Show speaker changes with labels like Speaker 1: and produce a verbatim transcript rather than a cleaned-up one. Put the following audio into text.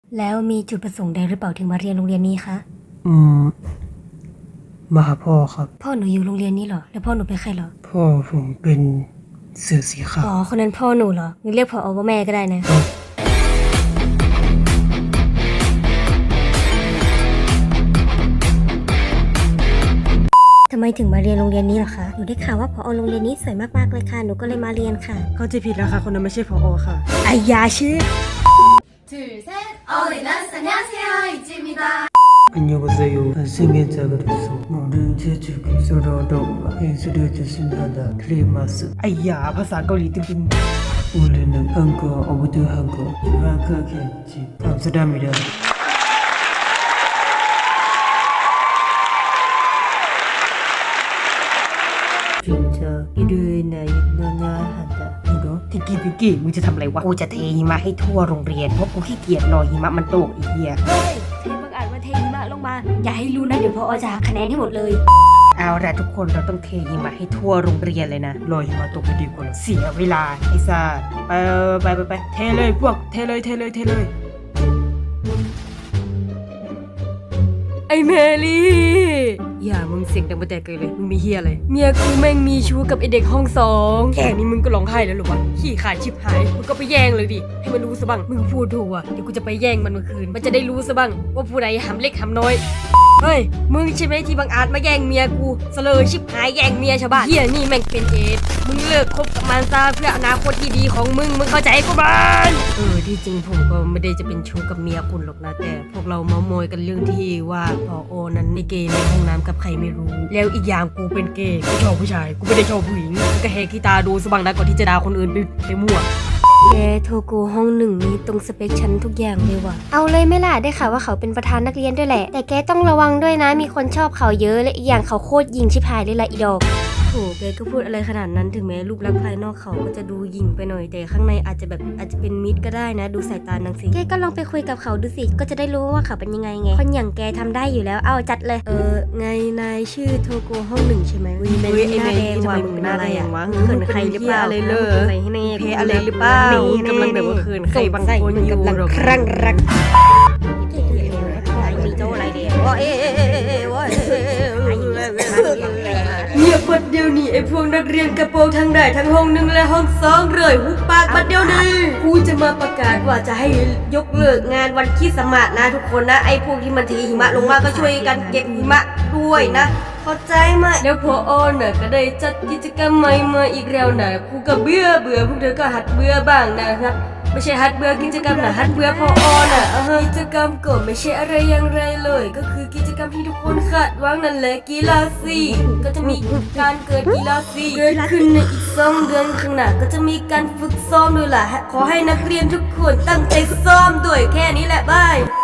Speaker 1: แล้วมีจุดประสงค์ใดหรือเปล่าถึงมาเรียนโรงเรียนนี้คะ
Speaker 2: อืมมาหาพ่อครับ
Speaker 1: พ่อหนูอยู่โรงเรียนนี้เหรอแล้วพ่อหนูเป็นใครเหรอ
Speaker 2: พ่อผมเป็นเสือสีขาว
Speaker 1: อ๋อคนนั้นพ่อหนูเหรองั้นเรียกพ่อเอาว่าแม่ก็ได้นะทำไมถึงมาเรียนโรงเรียนนี้เหรอคะหนูได้ข่าวว่าพอโรงเรียนนี้สวยมากๆเลยค่ะหนูก็เลยมาเรียนค่ะ
Speaker 2: เข้าใจผิดแล้วค่ะคนนั้นไม่ใช่พอค่ะ
Speaker 1: ไอ้ยาชื่อ
Speaker 2: ไอ้ยาภาษาเกาหลีตึงๆ우리는 한국 어부도 한국 유학하겠지 감사합니다 진짜 일요일 날 너나 한다 이거ทิกกี้ทิกกี้มึงจะทำอะไรวะกูจะเทหิมะให้ทั่วโรงเรียนเพราะกูขี้เกียจรอหิมะมันตกอีเหี้ย
Speaker 1: เฮ้ยเทบังอาจมาเทหิมะลงมาอย่าให้รู้นะเดี๋ยวพ่อจะหักคะแนนให้หมดเลย
Speaker 2: เอาละทุกคนเราต้องเทหิมะให้ทั่วโรงเรียนเลยนะรอหิมะตกไปดีกว่าเสียเวลาไอ้ซ่าไปไปไปไปเทเลยพวกเทเลยเทเลยเทเลย
Speaker 1: ไอ้แมรี่อย่ามึงเสียงดังไปแต่เกินเลยมึงมีเฮียอะไรเมียกูแม่งมีชู้กับไอเด็กห้องสองแค่นี้มึงก็ร้องไห้แล้วหรอวะขี้ขาดชิบหายมึงก็ไปแย่งเลยดิให้มันรู้ซะบ้างมึงพูดถูกอ่ะเดี๋ยวกูจะไปแย่งมันเมื่อคืนมันจะได้รู้ซะบ้างว่าผู้ใดหำเล็กหำน้อยเฮ้ยมึงใช่ไหมที่บังอาจมาแย่งเมียกูเสลอชิบหายแย่งเมียชาวบ้านเฮียนี่แม่งเป็นเอดมึงเลิกคบกับมันซะเพื่ออนาคตที่ดีของมึงมึงเข้าใจกูบ้างเออที่จริงผมก็ไม่ได้จะเป็นชู้กับเมียคุณหรอกนะแต่พวกเราเมามอยกันเรื่องที่ว่าพอโอนั้นในเกย์ในห้องน้ำกับใครไม่รู้แล้วอีกอย่างกูเป็นเกย์กูชอบผู้ชายกูไม่ได้ชอบผู้หญิงก็แหกขี้ตาดูสบังนะก่อนที่จะด่าคนอื่นไปไปมั่วแกโทโกห้องหนึ่งนี้ตรงสเปคฉันทุกอย่างเลยว่ะเอาเลยไม่ล่ะได้ข่าวว่าเขาเป็นประธานนักเรียนด้วยแหละแต่แกต้องระวังด้วยนะมีคนชอบเขาเยอะและอีกอย่างเขาโคตรยิงชิบหายเลยละอีดอกโหแกก็พูดอะไรขนาดนั้นถึงแม้รูปลักษณ์ภายนอกเขาก็จะดูหยิ่งไปหน่อยแต่ข้างในอาจจะแบบอาจจะเป็นมิตรก็ได้นะดูสายตานางสิแกก็ลองไปคุยกับเขาดูสิก็จะได้รู้ว่าเขาเป็นยังไงไงคนอย่างแกทำได้อยู่แล้วเอาจัดเลยเออไงนายชื่อโทโกห้องหนึ่งใช่ไหมวิเมลี่หน้าแดงว่ะมึงหน้าแดงวะเขินใครหรือเปล่าเลยเลยอะไรให้แน่เพอะไรหรือเปล่ากำลังแบบว่าเขินใครบางคนอยู่กำลังครั่งรักมีโจ้อะไรเดียวว่าเอ๊ะว่าเงียบบัดเดียวนี้ไอ้พวกนักเรียนกระโปรงทั้งได้ทั้งห้องหนึ่งและห้องสองเลยหุบปากบัดเดียวนี้กูจะมาประกาศว่าจะให้ยกเลิกงานวันคริสต์มาสนะทุกคนนะไอ้พวกที่มันเทหิมะลงมาก็ช่วยกันเก็บหิมะด้วยนะเข้าใจไหมแล้วพอออนน่ะก็ได้จัดกิจกรรมใหม่มาอีกแล้วนะกูก็เบื่อเบื่อพวกเธอก็หัดเบื่อบ้างนะครับไม่ใช่ฮัดเบื่อกิจกรรมนะฮัดเบื่อพอออนอ่ะกิจกรรมก็ไม่ใช่อะไรอย่างไรเลยก็คือกิจกรรมที่ทุกคนคาดหวังนั่นแหละกีฬาสีก็จะมีการเกิดกีฬาสีเกิดขึ้นในอีกสองเดือนข้างหน้าก็จะมีการฝึกซ้อมด้วยล่ะขอให้นักเรียนทุกคนตั้งใจซ้อมด้วยแค่นี้แหละบาย